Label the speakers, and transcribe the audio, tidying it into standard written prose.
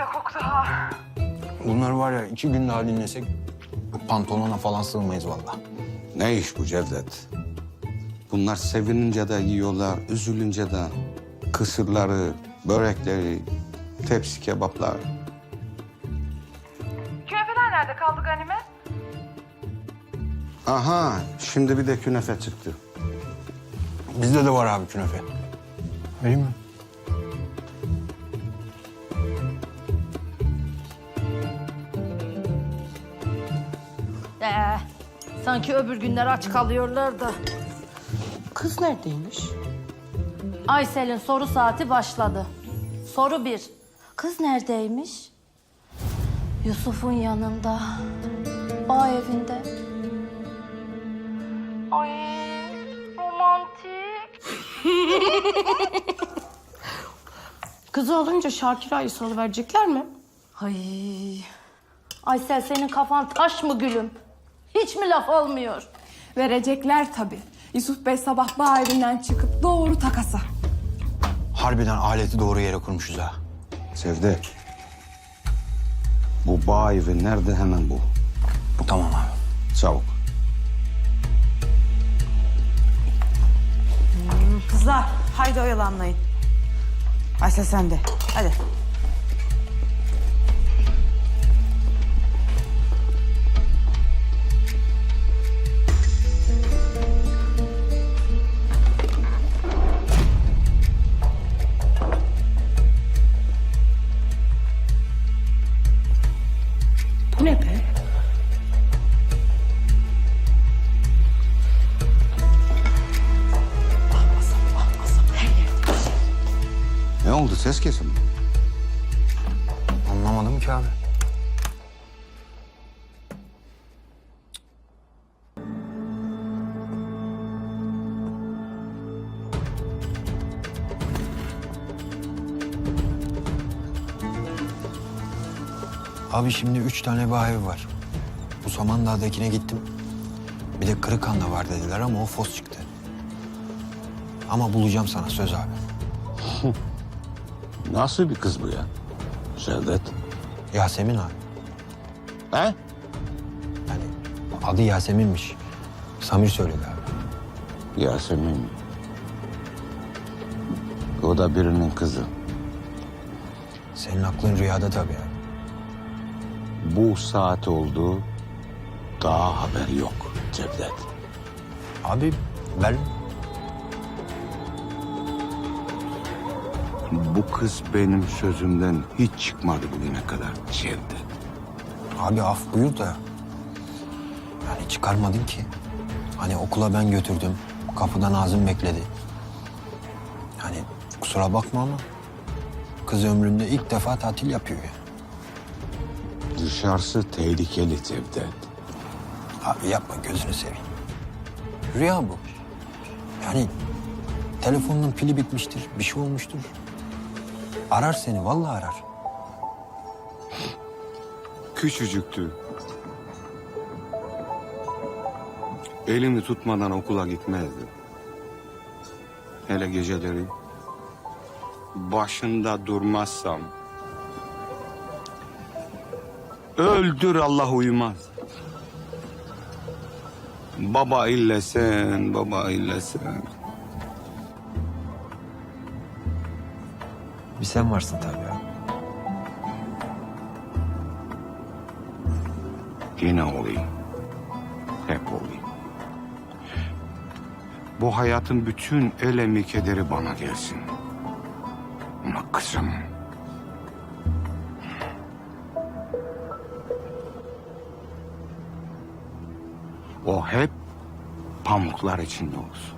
Speaker 1: koktu ha.
Speaker 2: Bunlar var ya 2 gün daha dinlesek pantolona falan sığmayız vallahi.
Speaker 3: Ne iş bu Cevdet? Bunlar sevinince de yiyorlar, üzülünce de kısırları, börekleri, tepsi kebaplar.
Speaker 1: Künefeler nerede kaldı Ganimet?
Speaker 3: Aha, şimdi bir de künefe çıktı.
Speaker 2: Bizde de var abi künefe. Vereyim mi?
Speaker 4: Sanki öbür günler aç kalıyorlar da.
Speaker 5: Kız neredeymiş?
Speaker 4: Aysel'in soru saati başladı. Soru 1. Kız neredeymiş? Yusuf'un yanında. Bağ evinde. Ay romantik.
Speaker 5: Kızı alınca Şakira'yı salıverecekler mi?
Speaker 4: Ay. Aysel senin kafan taş mı gülüm? Hiç mi laf olmuyor?
Speaker 6: Verecekler tabii. Yusuf Bey sabah bağ evinden çıkıp doğru takasa.
Speaker 2: Harbiden aleti doğru yere kurmuşuz ha.
Speaker 3: Cevdet, bu bağ evi nerede hemen bu?
Speaker 2: Tamam abi.
Speaker 3: Çabuk.
Speaker 7: Kızlar haydi oyalanmayın. Aysel sen de hadi.
Speaker 5: Bu ne be?
Speaker 3: Ne oldu, ses kesildi?
Speaker 2: Anlamadım ki abi. Abi şimdi 3 tane bağ evi var. Bu Samandağ'dakine gittim. Bir de Kırıkhan'da var dediler ama o fos çıktı. Ama bulacağım sana söz abi.
Speaker 3: Nasıl bir kız bu ya? Cevdet.
Speaker 2: Yasemin abi.
Speaker 3: He?
Speaker 2: Yani adı Yasemin'miş. Samir söyledi abi.
Speaker 3: Yasemin. O da birinin kızı.
Speaker 2: Senin aklın rüyada tabii abi.
Speaker 3: Bu saat oldu, daha haber yok Cevdet.
Speaker 2: Abi ben
Speaker 3: Bu kız benim sözümden hiç çıkmadı bugüne kadar Cevdet.
Speaker 2: abi af buyur da yani çıkarmadın ki. Hani okula ben götürdüm. Kapıda Nazım bekledi. Yani kusura bakma ama kız ömründe ilk defa tatil yapıyor ya.
Speaker 3: Dışarısı tehlikeli Cevdet.
Speaker 2: Abi yapma gözünü seveyim. Rüya bu. Yani telefonun pili bitmiştir, bir şey olmuştur. Arar seni, vallahi arar.
Speaker 3: Küçücüktü. Elimi tutmadan okula gitmezdi. Hele geceleri başında durmazsam öldür Allah uyumaz. Baba illesen, baba illesen.
Speaker 2: Bir sen varsın tabii ya.
Speaker 3: Yine olayım. Hep olayım. Bu hayatın bütün elemi kederi bana gelsin. Ama kızım... O hep pamuklar içinde olsun.